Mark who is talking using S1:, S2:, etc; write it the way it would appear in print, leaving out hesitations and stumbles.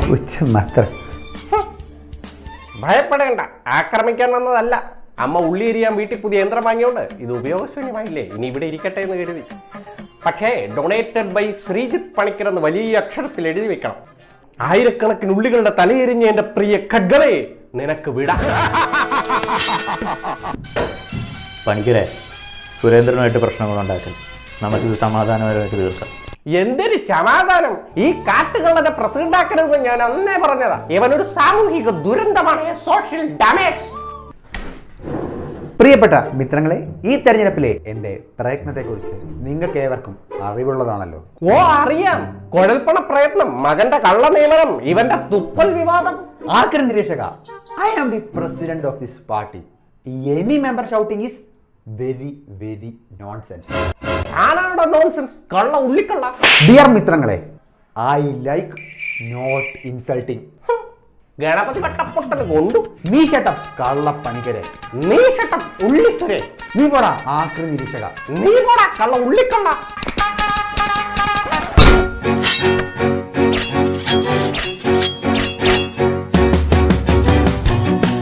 S1: മാത്രം.
S2: ഭയപ്പെടേണ്ട, ആക്രമിക്കാൻ വന്നതല്ല. അമ്മ ഉള്ളി എരിയാൻ വീട്ടിൽ പുതിയ യന്ത്രം വാങ്ങിയോണ്ട് ഇത് ഉപയോഗശൂന്യമായില്ലേ, ഇനി ഇവിടെ ഇരിക്കട്ടെ എന്ന് കരുതി. പക്ഷേ ഡൊണേറ്റഡ് ബൈ ശ്രീജിത്ത് പണിക്കർ എന്ന് വലിയ അക്ഷരത്തിൽ എഴുതി വെക്കണം. ആയിരക്കണക്കിന് ഉള്ളികളുടെ തലയെരിഞ്ഞ എന്റെ പ്രിയ ഖഡ്ഗറെ നിനക്ക് വിടാം.
S3: പണിക്കരെ, സുരേന്ദ്രനുമായിട്ട് പ്രശ്നങ്ങളുണ്ടാക്കും, നമുക്കിത് സമാധാനപരമായിട്ട് തീർക്കാം.
S2: എന്തൊരു സമാധാനം! ഈ കാട്ടുകളുടെ പ്രസിഡന്റ് ആക്കരുതെന്ന് ഞാൻ അന്നേ പറഞ്ഞതാ. ഇവനൊരു സാമൂഹിക ദുരന്തമാണ്, സോഷ്യൽ ഡാമേജ്.
S1: പ്രിയപ്പെട്ട മിത്രങ്ങളെ, ഈ തെരഞ്ഞെടുപ്പിലെ എൻ്റെ പ്രയത്നത്തെക്കുറിച്ച് നിങ്ങൾക്ക് ഏവർക്കും അറിവുള്ളതാണല്ലോ.
S2: ഓ അറിയാം, കുഴൽപ്പണ പ്രയത്നം, മകന്റെ കള്ള നിയമനം, ഇവന്റെ തുപ്പൽ വിവാദം.
S1: ആർക്കും നിരീക്ഷക, I am the president of this party. Any member shouting is very very nonsense.
S2: ആണാണോ നോൺസെൻസ്? കള്ള ഉള്ളിക്കള്ള.
S1: ഡിയർ മിത്രങ്ങളെ, I like not insulting.
S2: Ganapathi വട്ടപ്പൊട്ടൽ കൊണ്ടു.
S1: നീ ഷട്ടം കള്ളപ്പണിക്കരെ.
S2: നീ ഷട്ടം ഉള്ളിസുരേ.
S1: നീ പോടാ ആക്രി നിരീക്ഷക.
S2: നീ പോടാ കള്ള ഉള്ളിക്കള്ള.